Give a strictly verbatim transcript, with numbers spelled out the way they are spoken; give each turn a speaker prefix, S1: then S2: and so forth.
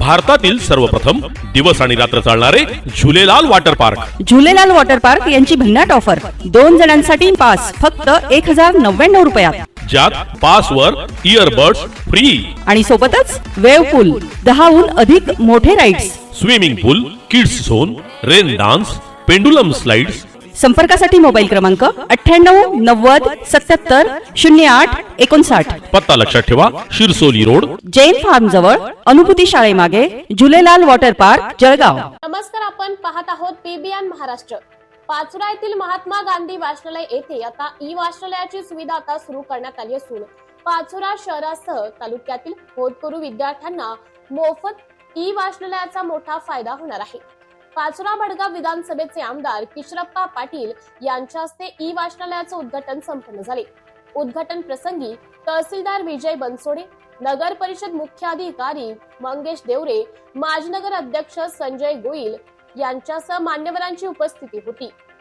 S1: भारतातील सर्वप्रथम दिवस आणि रात्र चालणारे Jhulelal water park.
S2: Jhulelal water park यांची भन्नाट ऑफर. दोन जणांसाठी पास फक्त एक हजार नव्याण्णव रुपयात,
S1: ज्यात पास वर इयरबड्स फ्री
S2: आणि सोबतच वेव्ह पूल, दहाहून अधिक मोठे rides,
S1: swimming pool, kids zone, rain dance, pendulum slides.
S2: संपर्कासाठी मोबाईल क्रमांक अठ्ठ्याण्णव नव्वद सत्याहत्तर शून्य आठ एकोणसाठ.
S1: पत्ता लक्षात ठेवा, शिरसोली रोड,
S2: जैन फार्म जवळ, अनुभूती शाळेमागे, झुलेलाल वॉटर पार्क, जळगाव.
S3: नमस्कार, आपण पाहत आहोत पीबीएन महाराष्ट्र. पाचोरा येथील महात्मा गांधी वाचनालय येथे आता ई वाचनालयाची सुविधा आता सुरू करण्यात आली असून पाचोरा शहरासह तालुक्यातील होतकरू विद्यार्थ्यांना मोफत ई वाचनालयाचा मोठा फायदा होणार आहे. पाचोरा भडगाव विधानसभेचे आमदार किशोरप्पा पाटील यांच्या हस्ते ई वाचनालयाचे उद्घाटन संपन्न झाले. उद्घाटन प्रसंगी तहसीलदार विजय बनसोडे, नगर परिषद मुख्याधिकारी मंगेश देवरे, माजी नगर अध्यक्ष संजय गोयल यांच्यासह मान्यवरांची उपस्थिती होती.